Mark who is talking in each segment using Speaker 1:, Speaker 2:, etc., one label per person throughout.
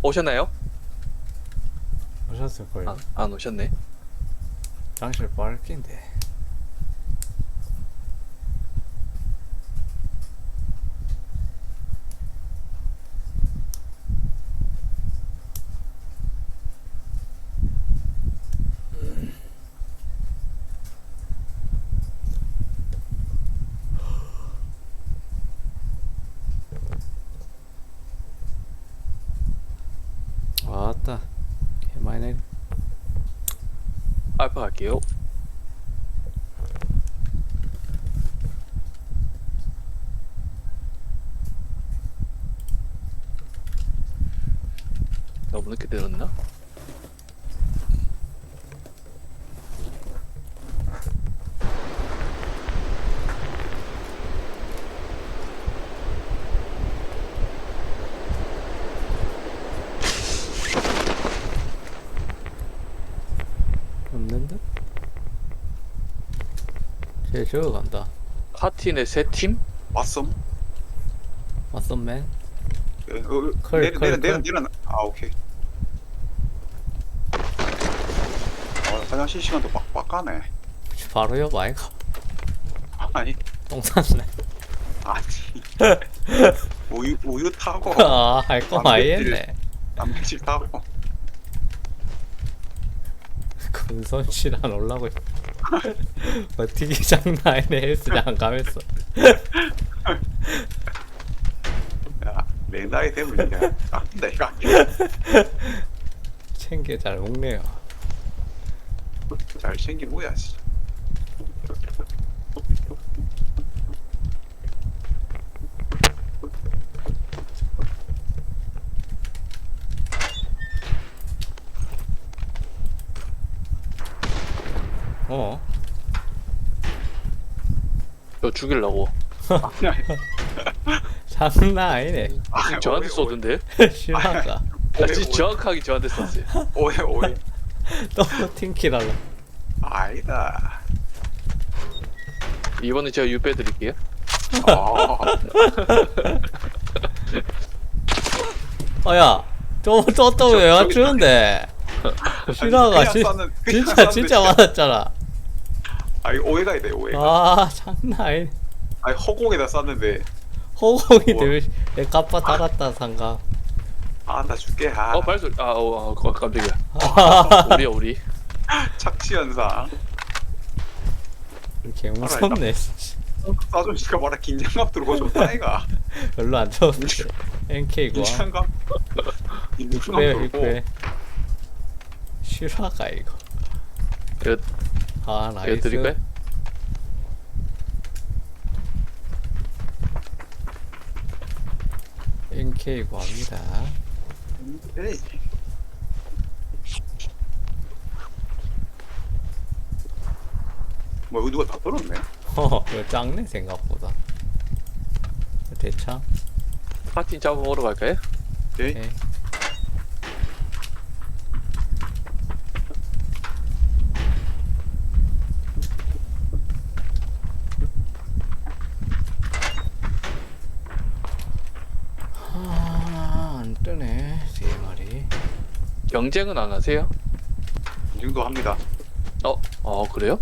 Speaker 1: 오셨나요?
Speaker 2: 오셨을걸요.
Speaker 1: 안 오셨네.
Speaker 2: 장실 빨긴데. 왔다. 개많이
Speaker 1: 알파 갈게요. 너무 늦게 들었나?
Speaker 2: 없는 듯? 쟤 저어간다.
Speaker 1: 파티네 세 팀?
Speaker 3: 왔음?
Speaker 2: 맞선맨?
Speaker 3: 예,
Speaker 2: 컬, 컬.
Speaker 3: 내려. 아, 오케이. 화장실 시간도 빡빡하네.
Speaker 2: 바로 옆 아이가.
Speaker 3: 아니,
Speaker 2: 똥 쌌네.
Speaker 3: 아니. 우유 타고,
Speaker 2: 아, 할 거 많이 했네.
Speaker 3: 단백질 타고.
Speaker 2: 근손실 안 올라고. 버티기 장난 아니네. 헬스장 가면서.
Speaker 3: 야, 내 나이 되면 이제 깎인다, 이거.
Speaker 2: 챙겨 잘 먹네요.
Speaker 3: 잘 챙겨 먹어야지.
Speaker 2: 어?
Speaker 1: 저 죽이려고.
Speaker 2: 장난 아니네.
Speaker 1: 저한테 쏘던데?
Speaker 2: 실화가.
Speaker 1: 진짜 정확하게 저한테 쐈어요.
Speaker 3: 오해.
Speaker 2: 또 팀킬하려.
Speaker 3: 아니다.
Speaker 1: 이번에 제가 유 빼드릴게요.
Speaker 3: 아,
Speaker 2: 야, 왜 맞추는데? 실화가 진짜 맞았잖아.
Speaker 3: 아니, 오해가 있다, 오해가.
Speaker 2: 아, 장난 아니네.
Speaker 3: 아니, 허공에다 쐈는데,
Speaker 2: 호공이
Speaker 3: 우와.
Speaker 2: 내 까빠 달았다 상가.
Speaker 3: 아, 나 죽게. 아,
Speaker 1: 발소리. 깜짝이야. 우리.
Speaker 3: 착취현상.
Speaker 2: 개 무섭네.
Speaker 3: 싸준씨가 뭐라 긴장감 들고 좋다, 이가.
Speaker 2: 별로 안 좋은데. NK고.
Speaker 3: 긴장감 들고.
Speaker 2: 빅배. 실화가 이거.
Speaker 1: 이거
Speaker 2: 아,
Speaker 1: 이거
Speaker 2: 나이스.
Speaker 1: 드릴까요?
Speaker 2: NK고 합니다.
Speaker 3: 에이. 뭐 이거 누가 다 떨었네.
Speaker 2: 이거 작네 생각보다. 대창.
Speaker 1: 파티 잡아먹으러 갈까요?
Speaker 3: 오케이.
Speaker 2: 오케이. 안 뜨네. 세 마리.
Speaker 1: 경쟁은 안 하세요?
Speaker 3: 이 정도 합니다.
Speaker 1: 그래요?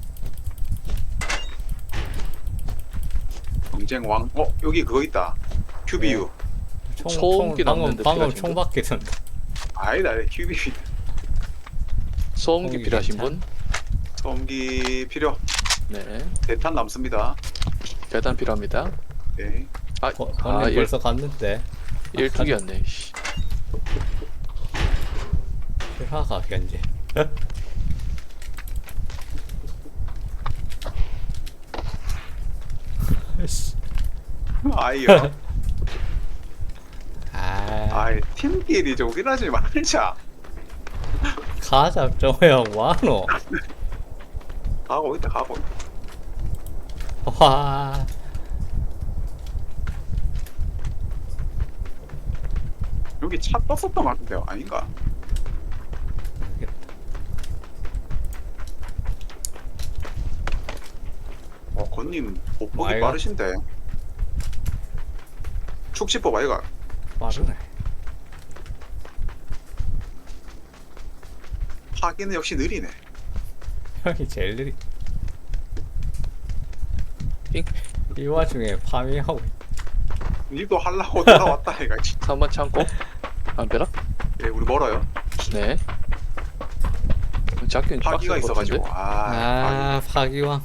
Speaker 3: 경쟁 왕. 여기 그거 있다. QBU.
Speaker 1: 소음기 남는데
Speaker 2: 방금
Speaker 1: 필요하신
Speaker 2: 총 밖에 던다.
Speaker 3: 아니다. QBU.
Speaker 1: 소음기
Speaker 2: 소음기
Speaker 1: 필요하신
Speaker 2: 괜찮아?
Speaker 1: 분?
Speaker 3: 소음기 필요.
Speaker 1: 네.
Speaker 3: 대탄 남습니다.
Speaker 1: 대단 필요합니다.
Speaker 3: 오케이.
Speaker 2: 번님 벌써 갔는데.
Speaker 1: 12개였네. 씨.
Speaker 2: 실화가 견제.
Speaker 3: 아이요.
Speaker 2: 아,
Speaker 3: 아이 팀끼리 조기하지 말자.
Speaker 2: 가자 정형 와노.
Speaker 3: 가고 있다.
Speaker 2: 와,
Speaker 3: 여기 차 떴었던 것 같은데요. 아닌가? 건님 보폭이
Speaker 2: 아이가?
Speaker 3: 빠르신데. 축지법 아이가?
Speaker 2: 빠르네.
Speaker 3: 파기는 역시 느리네.
Speaker 2: 형이 제일 느리.
Speaker 1: 삥.
Speaker 2: 이 와중에 파밍하고 있-
Speaker 3: 일도 하려고 돌아왔다 얘가.
Speaker 1: 3번 창고. 안 되나?
Speaker 3: 예, 우리 멀어요.
Speaker 1: 네. 작긴
Speaker 3: 파기가
Speaker 1: 빡셀 것 같은데?
Speaker 3: 있어가지고. 아,
Speaker 2: 아 파기왕.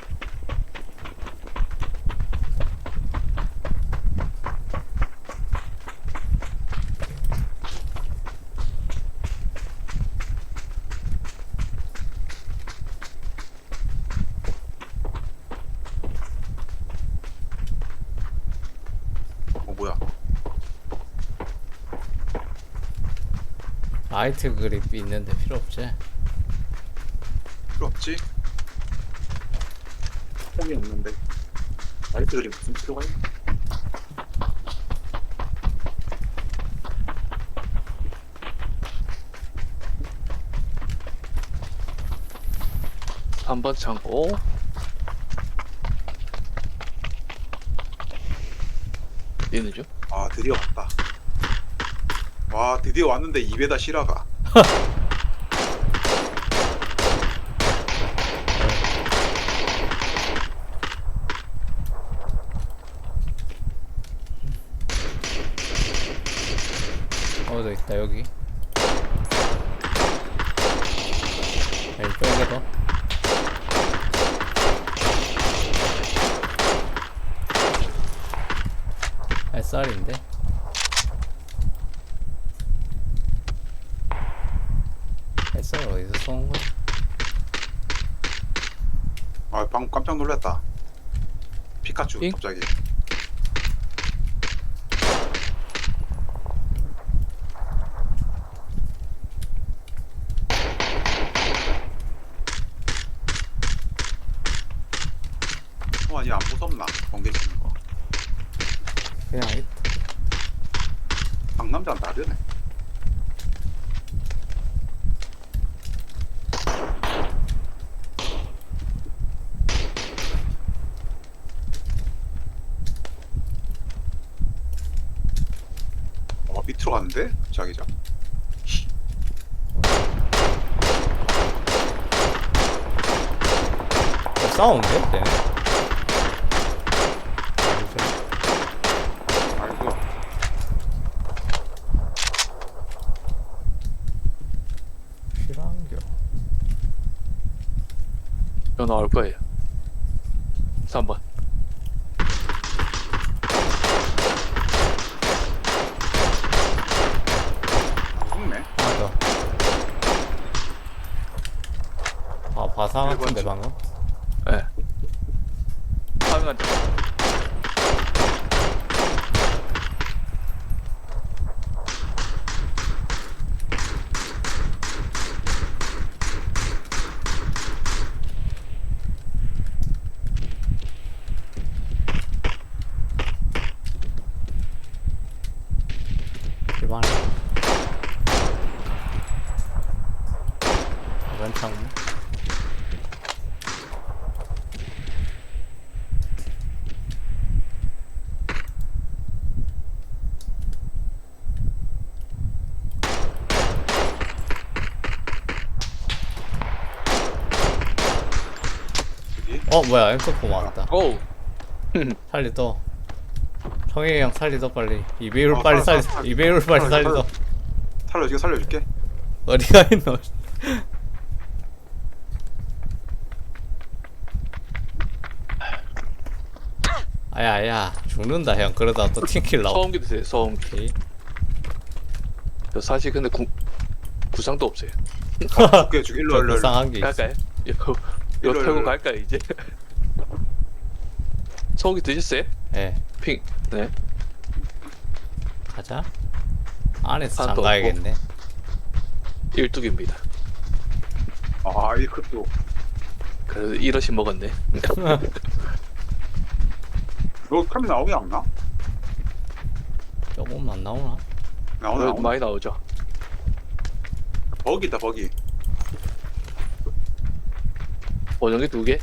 Speaker 3: 뭐야?
Speaker 2: 라이트 그립 있는데 필요 없지?
Speaker 3: 필요 없지? 홈이 없는데. 라이트들이 무슨 필요가 있나?
Speaker 1: 한 번 창고. 얘는 죠
Speaker 3: 아, 드디어 왔다. 와, 드디어 왔는데 입에다 실화가.
Speaker 2: 어디 있다 여기. 이쪽에도. 햇살인데. 햇살 어디서 쏘는 거야?
Speaker 3: 아, 방금 깜짝 놀랐다. 피카츄
Speaker 1: 잉?
Speaker 3: 갑자기. 아니 안 무섭나? 번개 치는 거.
Speaker 2: 그냥 있다.
Speaker 3: 상남자는 다르네. 밑으로 갔는데? 자기장.
Speaker 2: 싸우는데? 쟤네?
Speaker 3: 아이고.
Speaker 2: 실한겨.
Speaker 1: 이거 나올 거예요. 3번.
Speaker 3: 죽네.
Speaker 2: 맞아. 아 바사 같은데
Speaker 3: 일본
Speaker 2: 방금?
Speaker 1: 예. 네. 파밍한
Speaker 2: 일반에. 이번 창문.
Speaker 3: 여기.
Speaker 2: 뭐야 M4 맞았다.
Speaker 1: 오!
Speaker 2: 살리 더. 청해 형 살리 더 빨리. 이베이를
Speaker 3: 어,
Speaker 2: 빨리
Speaker 3: 살려,
Speaker 2: 살리.
Speaker 3: 살려.
Speaker 2: 이베이를 빨리
Speaker 3: 살려,
Speaker 2: 살리
Speaker 3: 살려.
Speaker 2: 더.
Speaker 3: 살려줄게 살려줄게.
Speaker 2: 어디가 있노? 아야 죽는다 형. 그러다 또 팅킬 나오.
Speaker 1: 소음기 드세요, 소음기.
Speaker 2: 오케이.
Speaker 1: 저 사실 근데 구상도 없어요.
Speaker 3: 줄게 줄게. 일로
Speaker 2: 저
Speaker 3: 일로 일로.
Speaker 2: 불쌍한 게 있어.
Speaker 1: 갈까요? 이거
Speaker 3: 일로,
Speaker 1: 털고
Speaker 3: 일로.
Speaker 1: 갈까요, 이제? 소음기 드셨어요?
Speaker 2: 예.
Speaker 1: 핑. 네.
Speaker 2: 가자. 안에서
Speaker 1: 하나 더
Speaker 2: 잠가야겠네.
Speaker 1: 일뚝입니다.
Speaker 3: 아 이것도.
Speaker 1: 그래서 이러시 먹었네.
Speaker 3: 너 카메라 나오게 안 나?
Speaker 2: 조금만 나오나?
Speaker 3: 나오나 나오나.
Speaker 1: 많이 나오죠.
Speaker 3: 버기 있다 버기.
Speaker 1: 보정기 2개?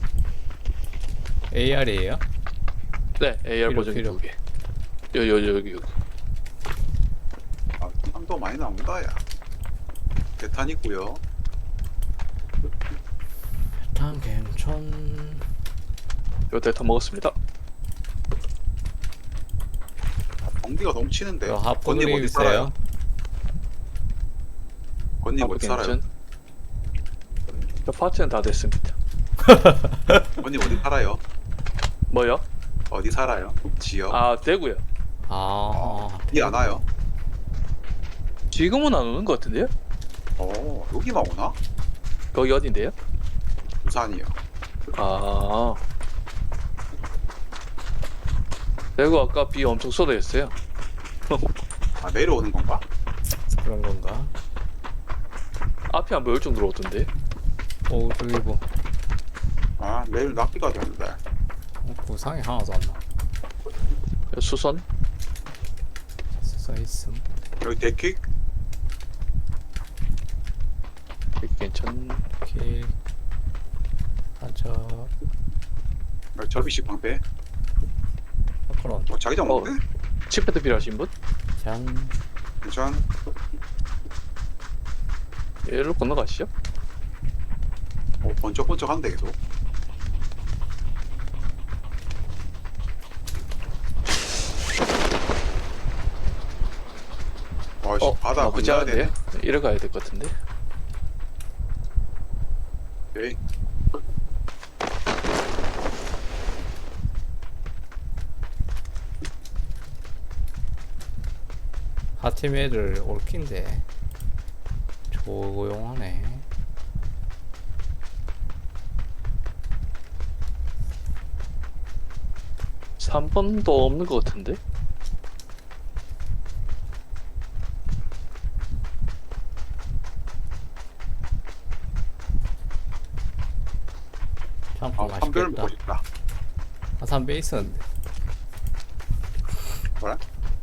Speaker 2: AR이에요?
Speaker 1: 네, AR
Speaker 2: 필요,
Speaker 1: 보정기
Speaker 2: 필요.
Speaker 1: 2개. 여기.
Speaker 3: 아, 도 많이 나온다 야. 대탄 있고요.
Speaker 2: 괜찮.
Speaker 1: 요 데이터 먹었습니다.
Speaker 3: 경기가 넘치는데.
Speaker 2: 요 하프
Speaker 3: 건님
Speaker 2: 그립
Speaker 3: 어디 살아요?
Speaker 2: 있어요?
Speaker 3: 건님 어디 살아요?
Speaker 1: 저 파츠는 다 됐습니다.
Speaker 3: 건님 어디 살아요?
Speaker 1: 뭐요?
Speaker 3: 어디 살아요? 지역?
Speaker 1: 아, 대구요.
Speaker 3: 비 안 와요?
Speaker 1: 지금은 안 오는 것 같은데요?
Speaker 3: 여기만 오나?
Speaker 1: 거기 어딘데요?
Speaker 3: 부산이요.
Speaker 1: 아. 대구 아까 비 엄청 쏟아졌어요.
Speaker 3: 아, 내려오는 건가?
Speaker 2: 그런 건가?
Speaker 1: 앞이 안 보일 정도로 오던데.
Speaker 2: 오 저기 뭐
Speaker 3: 아, 내일 낚시가 되는데.
Speaker 2: 구상이 하나도 안 나.
Speaker 1: 수선?
Speaker 2: 써 있음.
Speaker 3: 여기 데킥?
Speaker 1: 괜찮.
Speaker 2: 길. 가자.
Speaker 3: 여기 접이식 방패?
Speaker 2: 그런.
Speaker 3: 자기장 없는데?
Speaker 1: 칩패드 필요하신 분?
Speaker 2: 짠.
Speaker 3: 괜찮?
Speaker 1: 얘로 건너가시죠.
Speaker 3: 번쩍번쩍한데 계속. 아이씨, 바다
Speaker 1: 나쁘지
Speaker 3: 건너야
Speaker 1: 않은데?
Speaker 3: 되네.
Speaker 1: 이래 가야 될 것 같은데.
Speaker 3: 오케이.
Speaker 2: 하팀 애들 올킨데 조용하네.
Speaker 1: 3번도 없는 것 같은데?
Speaker 2: 참고
Speaker 3: 선별
Speaker 2: 맛있겠다.
Speaker 3: 먹고 싶다.
Speaker 2: 아, 삼배 있었는데.
Speaker 3: 뭐라?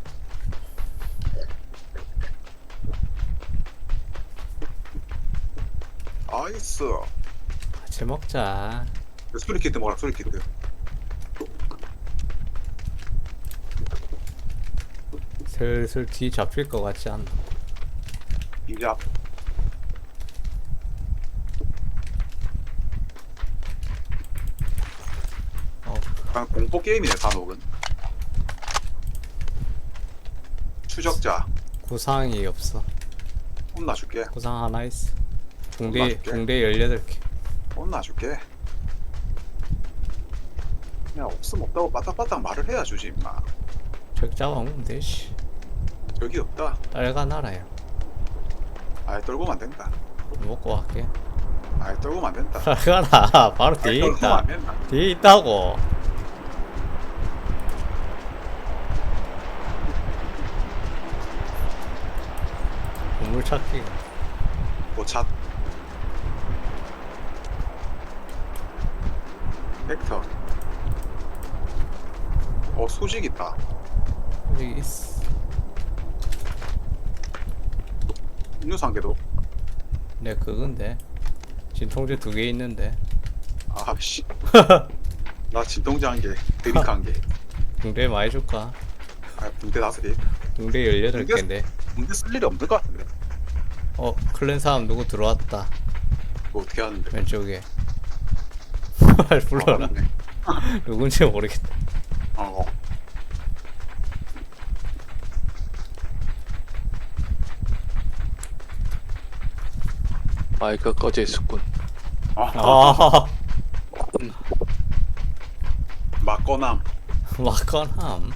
Speaker 3: 아이스.
Speaker 2: 같이 먹자.
Speaker 3: 수리키트 먹어라, 수리키트.
Speaker 2: 슬슬 뒤 잡힐 것 같지 않나?
Speaker 3: 이제 앞. 약간 공포 게임이네, 산옥은. 추적자.
Speaker 2: 구상이 없어.
Speaker 3: 혼나줄게.
Speaker 2: 구상 하나 있어. 붕대
Speaker 3: 맞게.
Speaker 2: 18개.
Speaker 3: 혼나줄게. 그냥 없으면 없다고 빠딱빠딱 말을 해야 주지, 임마.
Speaker 2: 적 잡아먹으면 되지.
Speaker 3: 여기 없다.
Speaker 2: 딸가 나라야.
Speaker 3: 아예 떨고만 안 된다.
Speaker 2: 먹고 갈게.
Speaker 3: 아예 떨고만 안 된다.
Speaker 2: 딸가라. 바로
Speaker 3: 아예
Speaker 2: 뒤에
Speaker 3: 떨고만
Speaker 2: 있다.
Speaker 3: 안 된다.
Speaker 2: 뒤에 있다고. 보물 찾기가.
Speaker 3: 오차. 벡터. 수직 있다.
Speaker 2: 여기 있어.
Speaker 3: 음료수 한 개도.
Speaker 2: 내 그건데. 진통제 2개 있는데.
Speaker 3: 아씨. 나 진통제 한 개, 드링크 한 개.
Speaker 2: 붕대 많이 줄까?
Speaker 3: 붕대 5개.
Speaker 2: 붕대 18개인데.
Speaker 3: 붕대 쓸 일이 없는 것 같은데.
Speaker 2: 클랜 사람 누구 들어왔다.
Speaker 3: 그거 어떻게 하는데?
Speaker 2: 왼쪽에. 불러라.
Speaker 3: 맞네.
Speaker 2: 누군지 모르겠다.
Speaker 3: 어.
Speaker 1: 마이크 꺼져 있었군.
Speaker 2: 아,
Speaker 3: 막거남.
Speaker 2: 막건함.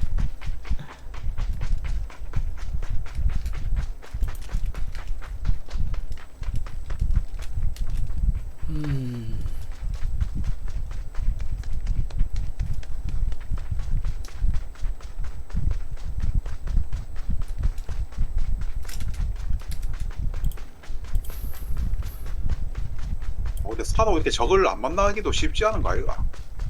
Speaker 3: 근데 사도 이렇게 적을 안 만나기도 쉽지 않은 거 아이가?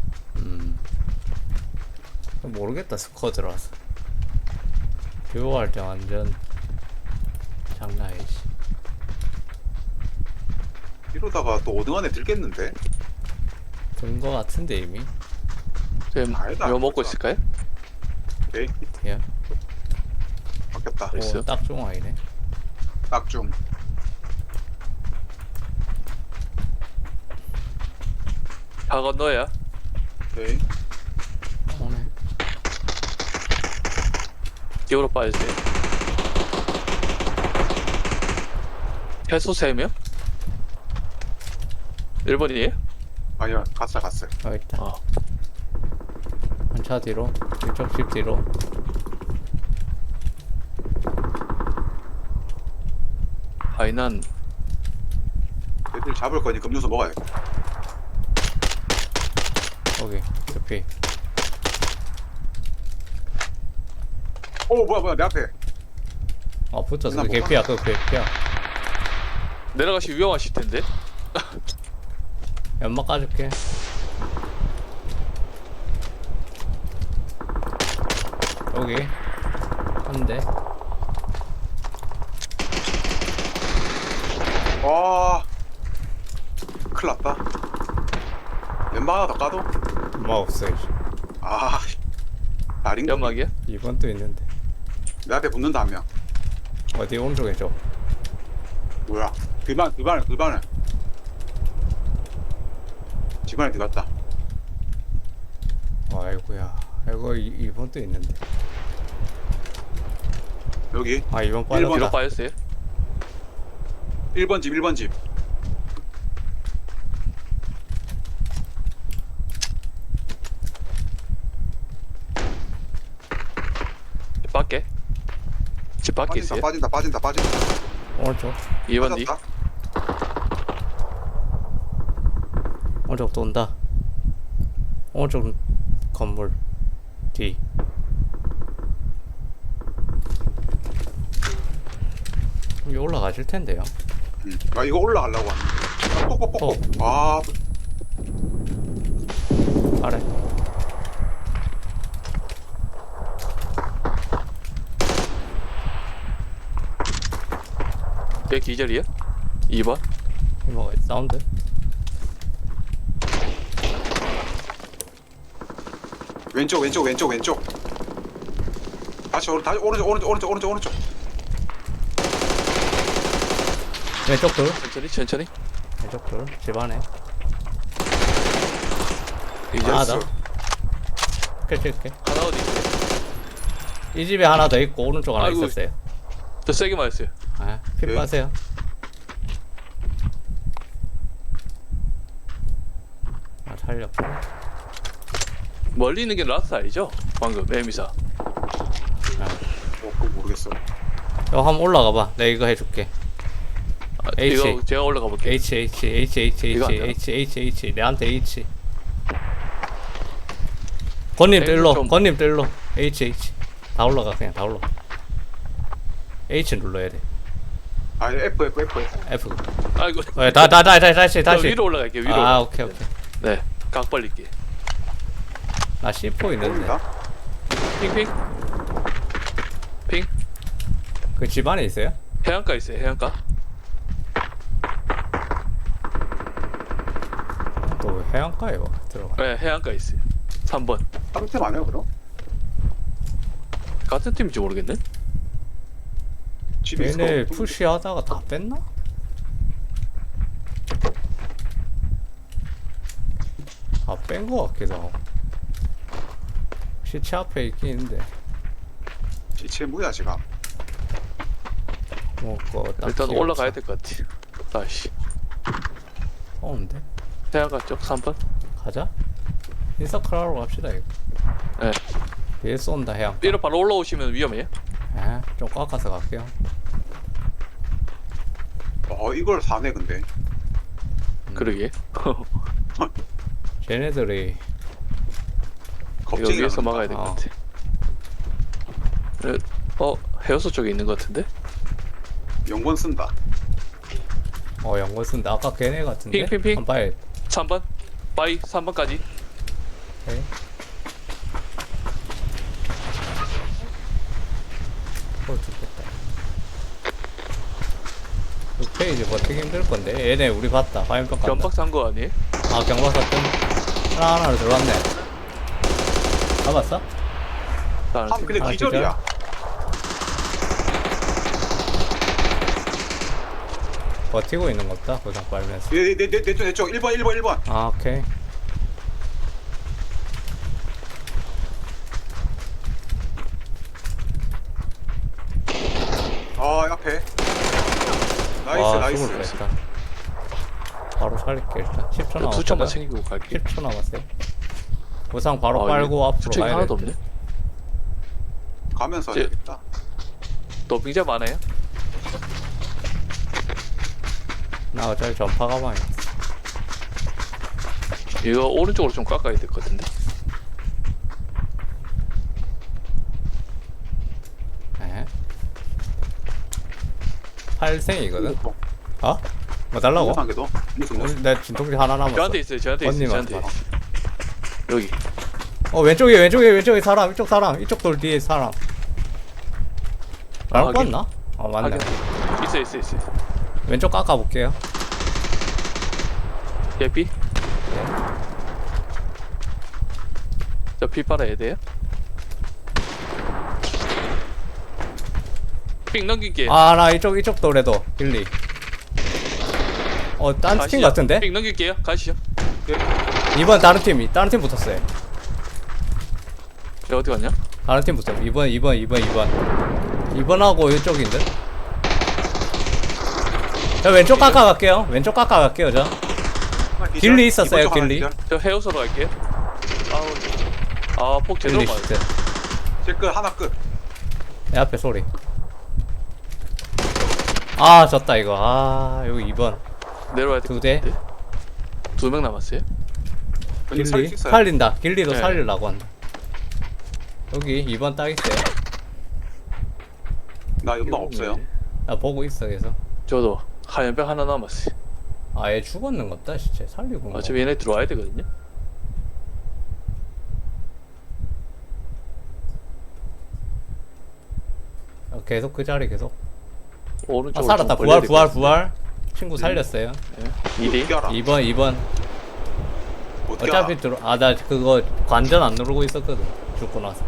Speaker 2: 모르겠다. 스쿼드라서. 듀오할 때 완전 장난 아니지.
Speaker 3: 이러다가 또 5등 안에 들겠는데?
Speaker 2: 든 거 같은데 이미.
Speaker 1: 지금
Speaker 3: 아니다,
Speaker 1: 이거 먹고
Speaker 3: 진짜.
Speaker 1: 있을까요?
Speaker 3: 오케이.
Speaker 2: 예.
Speaker 3: 바뀌었다.
Speaker 1: 있어요?
Speaker 2: 오, 딱 중앙이네.
Speaker 3: 딱 좀.
Speaker 1: 다 건너야.
Speaker 3: 오케이.
Speaker 2: 오네.
Speaker 1: 기어로 빠지세요. 해수 3명? 1번이에요?
Speaker 3: 아니요, 갔어요.
Speaker 2: 여기 있다.
Speaker 1: 어.
Speaker 2: 한 차 뒤로. 이쪽 집 뒤로.
Speaker 1: 아니 난
Speaker 3: 애들 잡을 거니까 음료수 먹어야겠다.
Speaker 2: 여기. 옆에.
Speaker 3: 오, 뭐야, 내 앞에.
Speaker 2: 아, 붙었어.
Speaker 3: 나
Speaker 2: 개피야, 그 개피야.
Speaker 1: 내려가시 위험하실 텐데.
Speaker 2: 연막 까줄게. 여기. 한 대.
Speaker 3: 와, 큰일 났다. 연막 하나 더 까도?
Speaker 2: 연막 없어, 이제.
Speaker 3: 아, 다린 거.
Speaker 1: 연막이야?
Speaker 2: 2번 또 있는데.
Speaker 3: 내 앞에 붙는다, 한 명.
Speaker 2: 어디 오른쪽에 줘.
Speaker 3: 뭐야? 그 반을. 집안에 들어갔다.
Speaker 2: 아이고야. 아이고, 2번 또 있는데.
Speaker 3: 여기.
Speaker 2: 아, 2번
Speaker 3: 일번.
Speaker 1: 뒤로
Speaker 2: 빠졌다.
Speaker 1: 빠졌어요.
Speaker 3: 1번 집.
Speaker 1: 밖에. 집 밖에 있어요.
Speaker 3: 빠진다.
Speaker 2: 오른쪽.
Speaker 1: 2번 뒤.
Speaker 3: 빠졌다.
Speaker 2: 오른쪽 또 온다. 오른쪽 건물 뒤. 여기 올라가실 텐데요.
Speaker 3: 아, 이거 올라가려고 하네. 아, 뽁뽁뽁. 아,
Speaker 2: 아래.
Speaker 1: 얘 기절이야? 2번.
Speaker 2: 이거 사운드.
Speaker 3: 왼쪽. 다시 오른쪽.
Speaker 2: 왼쪽 둘.
Speaker 1: 천천히.
Speaker 2: 왼쪽 둘. 집 안에.
Speaker 1: 기절.
Speaker 2: 하나 더. 끌게.
Speaker 1: 하나 어디 있어요?
Speaker 2: 이 집에 하나 더 있고 오른쪽 하나
Speaker 1: 아이고.
Speaker 2: 있었어요.
Speaker 1: 더 세게 맞았어요.
Speaker 2: 아, 피
Speaker 3: 네.
Speaker 2: 빠세요. 아, 살렸고.
Speaker 1: 멀리 있는 게 라스 아니죠? 방금 에미사.
Speaker 3: 그거 모르겠어.
Speaker 2: 여 한번 올라가 봐. 내가 이거 해줄게.
Speaker 1: 아,
Speaker 2: H.
Speaker 1: 이거 제가 올라가 볼게요. 이거 안 되나?
Speaker 2: H 내한테 H. 건님 뜰로
Speaker 1: 좀-
Speaker 2: H 다 올라가. 그냥 다 올라가. H 눌러야 돼.
Speaker 3: 아, F.
Speaker 2: F.
Speaker 1: 아이고.
Speaker 2: 다시
Speaker 1: 저 위로 올라갈게요. 위로.
Speaker 2: 아,
Speaker 1: 올라갈게요.
Speaker 2: 오케이.
Speaker 1: 네. 각 벌릴게.
Speaker 2: 나 C4 있는데.
Speaker 3: 모른다.
Speaker 1: 핑.
Speaker 2: 그 집 안에 있어요?
Speaker 1: 해안가 있어요. 해안가.
Speaker 2: 또 왜 해안가에 와 들어가.
Speaker 1: 네, 해안가 있어요. 3번.
Speaker 3: 다른 팀 아니야, 그럼?
Speaker 1: 같은 팀인지 모르겠네.
Speaker 3: 집에 있어.
Speaker 2: 얘네 푸시하다가 다 뺐나? 아, 뺀 거 같기도 하고. 시체 앞에 있긴 있는데.
Speaker 3: 지체 뭐야, 지금?
Speaker 2: 뭐거
Speaker 1: 일단 올라가야 될 것 같아. 다시.
Speaker 2: 오는데?
Speaker 1: 해안가 쪽 3번.
Speaker 2: 가자. 인서클 하러 갑시다 이거.
Speaker 1: 네.
Speaker 2: 얘 쏜다 해양.
Speaker 1: 위로 바로 올라오시면 위험해요.
Speaker 2: 좀 깎아서 갈게요.
Speaker 3: 이걸 사네, 근데.
Speaker 1: 그러게.
Speaker 2: 쟤네들이
Speaker 1: 이거
Speaker 3: 겁쟁이
Speaker 1: 위에서 막아야 될 것
Speaker 2: 아.
Speaker 1: 같아. 해어소 쪽에 있는 것 같은데?
Speaker 3: 연권 쓴다.
Speaker 2: 연거 쓴다. 아까 걔네 같은데?
Speaker 1: 핑.
Speaker 2: 한 봐야
Speaker 1: 3번. 바이 3번까지.
Speaker 2: 돼. 죽겠다. 6페이지 버티기 힘들 건데. 얘네 우리 봤다. 화염병 간다.
Speaker 1: 연박 산 거 아니에요?
Speaker 2: 아, 경박사 뜬. 하나로 들어왔네. 잡았어?
Speaker 1: 다른
Speaker 3: 아,
Speaker 1: 팀.
Speaker 3: 근데
Speaker 2: 아,
Speaker 3: 기절이야.
Speaker 2: 버티고 있는 거 없다. 고장 빨면서.
Speaker 3: 내 쪽. 1번.
Speaker 2: 아, 오케이. 일단. 바로 살릴게 일단. 10초
Speaker 1: 저 투척만
Speaker 2: 남았거든.
Speaker 1: 챙기고 갈게.
Speaker 2: 10초 남았어요. 보상 바로
Speaker 1: 아,
Speaker 2: 빨고
Speaker 1: 이거
Speaker 2: 앞으로
Speaker 1: 투척이
Speaker 2: 가야
Speaker 1: 하나도
Speaker 2: 돼.
Speaker 1: 없네.
Speaker 3: 가면서
Speaker 1: 이제-
Speaker 3: 해야겠다.
Speaker 1: 너 빙자 많아요?
Speaker 2: 나 어차피 전파 가방이 있어.
Speaker 1: 이거 오른쪽으로 좀 깎아야 될 것 같은데.
Speaker 2: 에? 8생이거든? 어? 뭐 달라고?
Speaker 3: 한개도 무슨
Speaker 2: 내 진통제 하나 남았어.
Speaker 1: 저한테 있어요. 저한테 있어요.
Speaker 2: 언니한테
Speaker 1: 저한테 있어요. 여기.
Speaker 2: 왼쪽에 사람. 이쪽 사람. 이쪽 돌 뒤에 사람. 나랑
Speaker 1: 확인.
Speaker 2: 봤나? 어 맞네.
Speaker 1: 있어요. 있어요.
Speaker 2: 왼쪽 깎아볼게요.
Speaker 1: 예삐. 저피 빨아야 돼요? 삥 넘길게.
Speaker 2: 아 나 이쪽 돌에도 길리. 딴 팀
Speaker 1: 가시죠.
Speaker 2: 같은데?
Speaker 1: 삥 넘길게요. 가시죠.
Speaker 2: 이번 다른 팀 붙었어요.
Speaker 1: 저 어디 갔냐?
Speaker 2: 다른 팀 붙었어. 2번하고 이쪽인데? 저 왼쪽 깎아갈게요. 저. 길리 있었어요, 길리.
Speaker 1: 저 헤어서로 갈게요. 폭 제대로
Speaker 2: 길리
Speaker 1: 맞았어.
Speaker 2: 시트.
Speaker 3: 제끝 하나 끝.
Speaker 2: 내 앞에 소리. 아 졌다 이거. 아 여기 2번.
Speaker 1: 내려와야 돼.
Speaker 2: 2대.
Speaker 1: 2명 남았어요.
Speaker 3: 왠지 살릴
Speaker 2: 길리
Speaker 3: 수 있어요.
Speaker 2: 살린다. 길리도
Speaker 1: 네.
Speaker 2: 살리려고 한다. 여기 2번 딱 있어요.
Speaker 3: 나 연막 없어요.
Speaker 2: 나 보고 있어 계속.
Speaker 1: 저도 하얀병 하나 남았어요.
Speaker 2: 아얘 죽었는 것다 진짜 살리고.
Speaker 1: 어차피 얘네 들어와야 되거든요.
Speaker 2: 계속 그 자리 계속.
Speaker 1: 오른쪽으로
Speaker 2: 살았다.
Speaker 1: 좀 벌려야 될것 같은데.
Speaker 2: 부활. 친구 살렸어요.
Speaker 1: 예. 2대.
Speaker 3: 어떻게 알아?
Speaker 2: 2번.
Speaker 3: 어떻게
Speaker 2: 어차피
Speaker 3: 알아?
Speaker 2: 나 그거 관전 안 누르고 있었거든. 죽고 나서.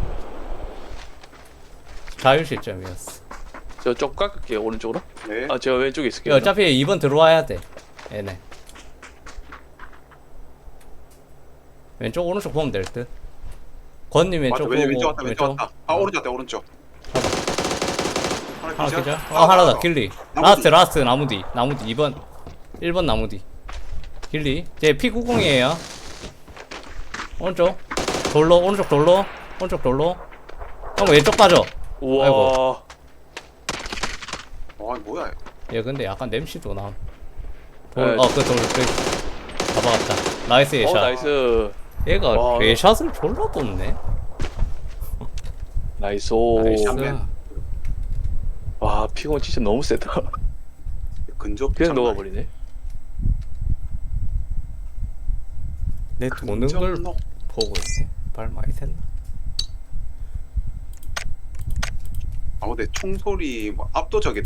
Speaker 2: 자율 실점이었어.
Speaker 1: 저쪽 깎을게요. 오른쪽으로.
Speaker 3: 네.
Speaker 1: 제가 왼쪽에 있을게요.
Speaker 2: 어차피 2번 들어와야 돼. 얘네. 왼쪽 오른쪽 보면 될 듯. 권님 왼쪽
Speaker 3: 맞아,
Speaker 2: 보고
Speaker 3: 왼쪽 왔다 왼쪽 왔다. 아 오른쪽 왔다 오른쪽.
Speaker 2: 하나
Speaker 3: 기절?
Speaker 2: 기절? 하나 더 길리.
Speaker 3: 나무
Speaker 2: 라스트 나무 뒤 2번 1번 나무 뒤 길리. 제 P90이에요. 오른쪽 돌로 형 왼쪽 빠져.
Speaker 1: 우와.
Speaker 2: 아이고.
Speaker 3: 와 뭐야?
Speaker 2: 얘 근데 약간 냄새도 나.
Speaker 1: 네.
Speaker 2: 그돌 잡아갔다. 나이스 예샷.
Speaker 1: 나이스.
Speaker 2: 얘가
Speaker 1: 와.
Speaker 2: 예샷을 졸라 뽑네.
Speaker 1: 나이스.
Speaker 2: 나이스.
Speaker 1: 와, 피곤 진짜 너무 세다.
Speaker 3: 근접
Speaker 1: 그냥
Speaker 3: 장난
Speaker 1: 녹아버리네.
Speaker 2: 내 도는
Speaker 3: 근접
Speaker 2: 걸
Speaker 3: 녹.
Speaker 2: 보고 있네. 발 많이 샜나?
Speaker 3: 아 근데 총소리 뭐 압도적이